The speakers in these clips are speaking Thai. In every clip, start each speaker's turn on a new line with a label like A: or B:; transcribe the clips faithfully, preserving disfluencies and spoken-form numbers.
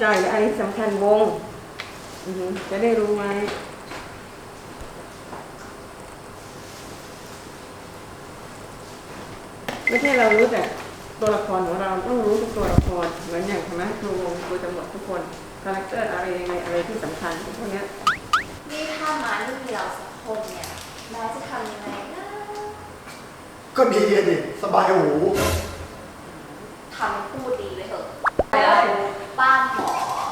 A: จัยและอะไรที่สำคัญวงจะได้รู้ไว้ไม่ใช่เรารู้แต่ตัวละครของเราต้องรู้ทุกตัวละครเหมือนอย่างคณะครูวงครูตำรวจทุกคนคาแรคเตอร์อะไรยังไงอะไรที่สำคัญพวกนี้
B: นี่ถ้ามาไม่มีเราสักคนเนี่ยน้าจะทำยังไงนะ
C: ก็ดีดิสบายหู
B: ทำพูดดีไปเถอะแล้วบ้านหมอ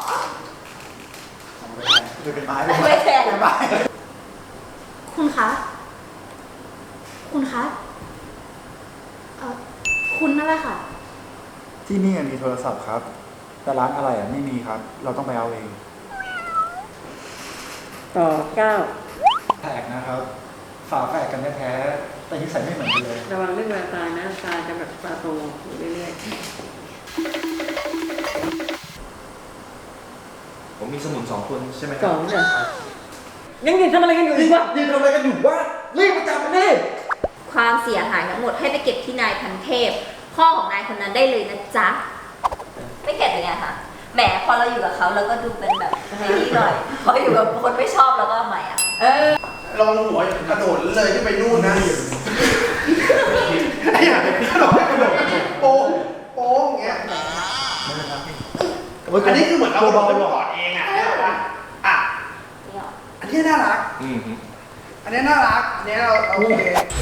C: จะเป็นไม้
B: ไม่แทน
C: เป็นไม้
D: คุณคะ คุณคะ เอ่อ คุณนั่นแหละค่ะ
E: ที่นี่มีโทรศัพท์ครับ แต่ร้านอะไรอ่ะไม่มีครับ เราต้องไปเอาเอง
A: ต่อเก้า
E: แปลกนะครับ ฝาแฝดกันแท้ๆแต่นิสัยไม่เหมือนกันเลย
A: ระวังเรื่องเวลาตายนะตายจะแบบตาโตอยู่เรื่อย
F: ๆผมมีสมุนสองคนใช่ไหมครับ
A: สองเนี่ยยังยืนทำอะไรกันอยู่อีกวะ
C: ยืนทำอะไรกันอยู่วะรีบมาจับมันดิ
B: ความเสียหายทั้งหมดให้ไปเก็บที่นายพันเทพพ่อของนายคนนั้นได้เลยนะจ๊ะไม่เก็บยังไงคะแหมพอเราอยู่กับเขาเราก็ดูเป็นแบบไอ้นี่หน่อยพออยู่กับคนไม่ชอบเราก็ทำไมอ่ะเออ
C: ลองหัวกระโดดเลยที่ไปนู่นนะไอ้ห่ากระโดดกระโดดโป๊ะโป๊ะอย่างเงี้ยอันนี้คือเหมือนเราโดนกอดเองอ่ะได้ป่ะอ่ะอันนี้น่ารักอันนี้น่ารักอันนี้เราโอเค